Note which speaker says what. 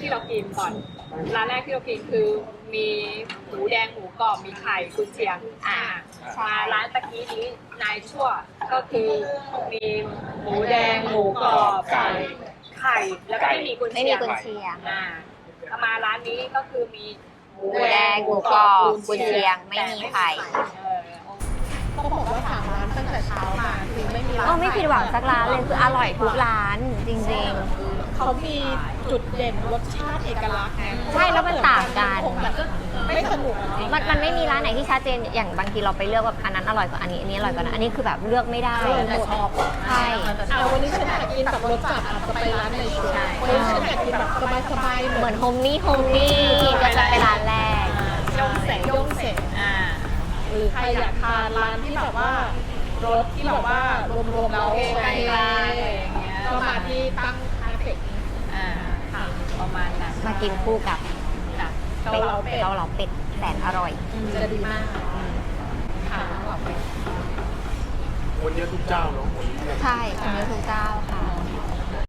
Speaker 1: ที่เรากินก่อนร้านแรกที่เรากินคือมีหมูแดงหมูกรอบมีไข่กุนเชียงมาร้านตะกี้นี้นายชั่วก็คือมีหมูแดงหมูกรอบไข่แล้วก็ไม่มีกุน
Speaker 2: ไม่
Speaker 1: เชี
Speaker 2: มี
Speaker 1: ยง
Speaker 2: กุนเชียง
Speaker 1: มาร้านนี้ก็คือมี
Speaker 2: หมูแดงหมูกรอบกุนเชียงไม่มีไข่
Speaker 3: ต้องบอกว่าถามร้านตั้งแต่เช้ามาคือไม่มีร้าน
Speaker 2: ก็ไม่ผิดหวังสักร้านเลยคืออร่อยทุกร้านจริง
Speaker 3: เขามีจุดเด่นรสชาติเอกลักษณ์ไง
Speaker 2: ใช่แล้วมันต่างกัน
Speaker 3: คงแบบไม่สนุก
Speaker 2: ๆมันไม่มีร้านไหนที่ชัดเจนอย่างบางทีเราไปเลือกแบบอันนั้นอร่อยกว่าอันนี้อร่อยกว่านั้นอันนี้คือแบบเลือกไม่ได้
Speaker 3: แต่ชอบ
Speaker 2: ใช่
Speaker 3: แต่วันนี้ฉันอยากกินแบบรสจัดอาจจะไปร้านในชุดวันนี้ฉันอยากกินแบบสบายๆ
Speaker 2: เหมือนโฮมนี่ก็จะไปร้านแรก
Speaker 3: ย่งเสร็จหรือใครอยากทานร้านที่แบบว่ารสที่แบบว่ารวมๆแล้วโอเคก็มาที่ตั้งคาเฟ่
Speaker 1: ประมาณนั้น
Speaker 2: มากินคู่กับ
Speaker 3: เกาเหลาเป็ด
Speaker 2: เกาเหลาเป็ดแสนอร่อย
Speaker 3: จะดีมากค่ะเกาเหลาเป็ด
Speaker 4: คนเยอะทุกเจ้าเนาะ
Speaker 2: ใช่คนเยอะทุกเจ้าค่ะ